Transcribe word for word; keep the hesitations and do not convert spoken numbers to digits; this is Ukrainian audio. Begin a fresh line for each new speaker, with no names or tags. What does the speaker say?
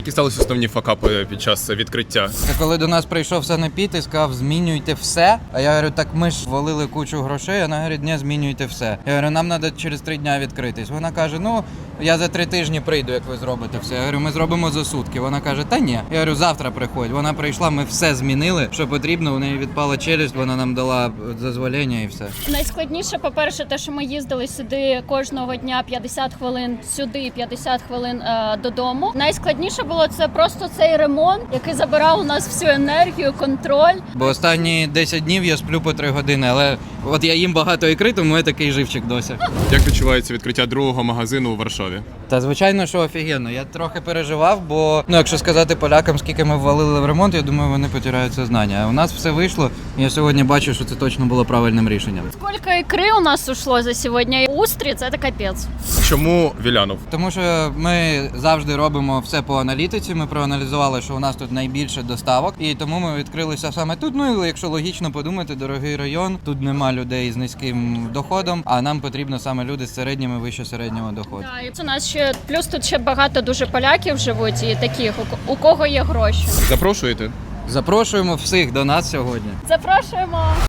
Які сталися основні факапи під час відкриття?
Це коли до нас прийшов санепід і сказав, змінюйте все. А я говорю, так ми ж валили кучу грошей, а вона говорить, ні, змінюйте все. Я говорю, нам треба через три дня відкритись. Вона каже, ну, я за три тижні прийду, як ви зробите все. Я говорю, ми зробимо за сутки. Вона каже, та ні. Я говорю, завтра приходь. Вона прийшла, ми все змінили, що потрібно, у неї відпала челюсть, вона нам дала дозволення і все.
Найскладніше, по-перше, те, що ми їздили сюди кожного дня п'ятдесят хвилин сюди, п'ятдесят хвилин е, додому. Найскладніше було це просто цей ремонт, який забирав у нас всю енергію, контроль.
Бо останні десять днів я сплю по три години, але от я їм багато ікри, тому я такий живчик досі.
Як відчувається відкриття другого магазину у Варшаві?
Та звичайно, що офігенно. Я трохи переживав, бо, ну, якщо сказати полякам, скільки ми ввалили в ремонт, я думаю, вони потирають сознання. А у нас все вийшло, і я сьогодні бачу, що це точно було правильним рішенням.
Скільки ікри у нас ушло за сьогодні? Устрі – це капець.
Чому Вілянов?
Тому що ми завжди робимо все по аналітиці, ми проаналізували, що у нас тут найбільше доставок, і тому ми відкрилися саме тут. Ну, і якщо логічно подумати, дорогий район, тут нема людей з низьким доходом, а нам потрібно саме люди з середнім і вище середнього доходу.
Так, і у нас ще, плюс тут ще багато дуже поляків живуть і таких, у, у кого є гроші.
Запрошуєте?
Запрошуємо всіх до нас сьогодні.
Запрошуємо!